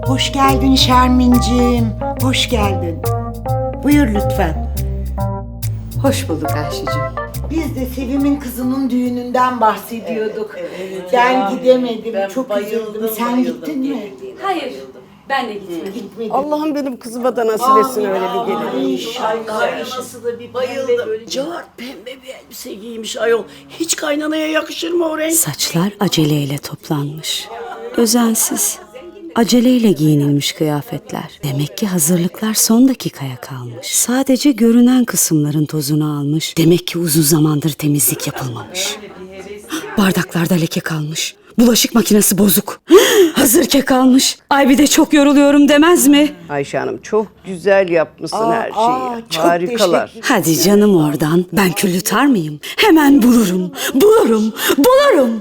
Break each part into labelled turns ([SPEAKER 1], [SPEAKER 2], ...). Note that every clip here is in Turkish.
[SPEAKER 1] Hoş geldin Şermin'ciğim. Hoş geldin. Buyur lütfen.
[SPEAKER 2] Hoş bulduk Ayşe'cim.
[SPEAKER 1] Biz de Sevim'in kızının düğününden bahsediyorduk.
[SPEAKER 3] Evet
[SPEAKER 1] Ben
[SPEAKER 3] ya.
[SPEAKER 1] gidemedim.
[SPEAKER 3] Ben
[SPEAKER 1] Çok
[SPEAKER 3] bayıldım,
[SPEAKER 1] üzüldüm. Sen
[SPEAKER 3] bayıldım
[SPEAKER 1] gittin mi?
[SPEAKER 3] gelinliğine,
[SPEAKER 2] Hayır,
[SPEAKER 3] bayıldım.
[SPEAKER 2] ben de gitmedim.
[SPEAKER 1] Gitmedim.
[SPEAKER 4] Allah'ım benim kızıma da nasip etsin öyle bir gelin.
[SPEAKER 1] İnşallah.
[SPEAKER 3] Kaynanası da bir bayıldım. Böyle cart pembe bir elbise giymiş ayol. Hiç kaynanaya yakışır mı o renk?
[SPEAKER 5] Saçlar aceleyle toplanmış. Özensiz, aceleyle giyinilmiş kıyafetler. Demek ki hazırlıklar son dakikaya kalmış. Sadece görünen kısımların tozunu almış. Demek ki uzun zamandır temizlik yapılmamış. Bardaklarda leke kalmış. Bulaşık makinesi bozuk. Hazır kek almış. Ay bir de çok yoruluyorum demez mi?
[SPEAKER 4] Ayşe Hanım çok güzel yapmışsın her şeyi.
[SPEAKER 1] çok
[SPEAKER 4] Harikalar.
[SPEAKER 1] teşekkür-
[SPEAKER 5] Hadi canım oradan. Ben kül yutar mıyım? Hemen bulurum. Bulurum.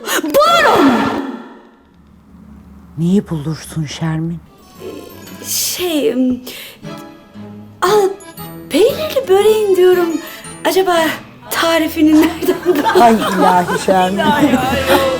[SPEAKER 1] Neyi bulursun Şermin?
[SPEAKER 5] Peynirli böreğin diyorum. Acaba tarifini nereden
[SPEAKER 1] Ay ilahi Şermin.